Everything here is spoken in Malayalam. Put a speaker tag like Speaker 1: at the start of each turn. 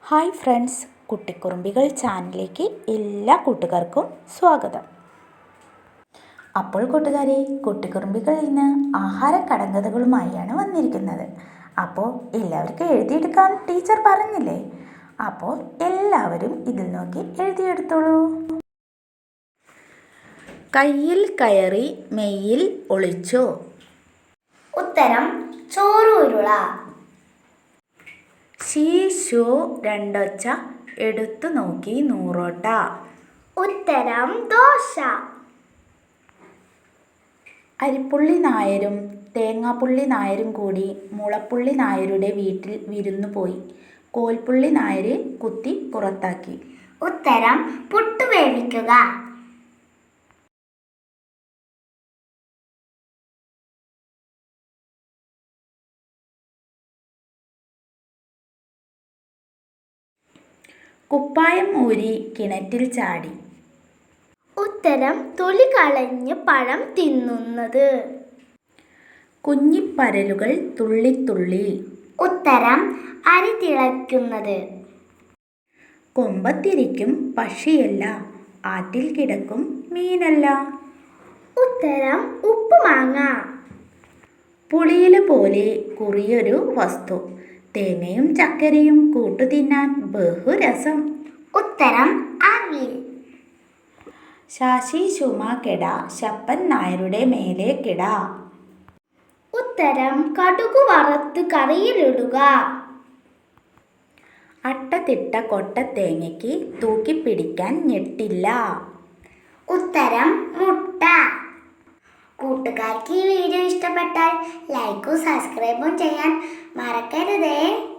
Speaker 1: ഹായ് ഫ്രണ്ട്സ്, കുട്ടിക്കുറുമ്പികൾ ചാനലിലേക്ക് എല്ലാ കൂട്ടുകാർക്കും സ്വാഗതം. അപ്പോൾ കൂട്ടുകാരെ, കുട്ടിക്കുറുമ്പികൾ ഇന്ന് ആഹാര കടങ്കഥകളുമായാണ് വന്നിരിക്കുന്നത്. അപ്പോൾ എല്ലാവർക്കും എഴുതിയെടുക്കാൻ ടീച്ചർ പറഞ്ഞില്ലേ? അപ്പോൾ എല്ലാവരും ഇതിൽ നോക്കി എഴുതിയെടുത്തോളൂ. കയ്യിൽ കയറി മെയ്യിൽ ഒളിച്ചോ?
Speaker 2: ഉത്തരം ചോറുരുള.
Speaker 1: ശീശോ രണ്ടൊച്ച എടുത്തു നോക്കി നൂറോട്ട.
Speaker 2: ഉത്തരം ദോശ.
Speaker 1: അരിപ്പുള്ളി നായരും തേങ്ങാപ്പുള്ളി നായരും കൂടി മുളപ്പുള്ളി നായരുടെ വീട്ടിൽ വിരുന്നു പോയി. കോൽപ്പുള്ളി നായരെ കുത്തി പുറത്താക്കി.
Speaker 2: ഉത്തരം പുട്ട് വേവിക്കുക.
Speaker 1: കുപ്പായം ഊരി കിണറ്റിൽ ചാടി.
Speaker 2: ഉത്തരം തൊലി കളഞ്ഞ് പഴം തിന്നുന്നത്.
Speaker 1: കുഞ്ഞിപ്പരലുകൾ തുള്ളിത്തുള്ളി.
Speaker 2: ഉത്തരം അരി തിളയ്ക്കുന്നത്.
Speaker 1: കൊമ്പത്തിരിക്കും പക്ഷിയല്ല, ആറ്റിൽ കിടക്കും മീനല്ല.
Speaker 2: ഉത്തരം ഉപ്പുമാങ്ങ.
Speaker 1: പുളിയില പോലെ കുറിയൊരു വസ്തു, തേങ്ങയും ചക്കരയും കൂട്ടുതിന്നാൻ ബഹുരസം.
Speaker 2: ഉത്തരം അവിൽ.
Speaker 1: ശാശി ശുമ കെട ശപ്പൻ നായരുടെ മേലെ കിട.
Speaker 2: ഉത്തരം കടുക് വറുത്ത് കറിയിലിടുക.
Speaker 1: അട്ടതിട്ട കൊട്ട തേങ്ങയ്ക്ക് തൂക്കിപ്പിടിക്കാൻ ഞെട്ടില്ല.
Speaker 2: ഉത്തരം മുട്ട. കൂട്ടുകാർക്ക് ഈ വീഡിയോ ഇഷ്ടപ്പെട്ടാൽ ലൈക്കും സബ്സ്ക്രൈബും ചെയ്യാൻ മറക്കരുതേ.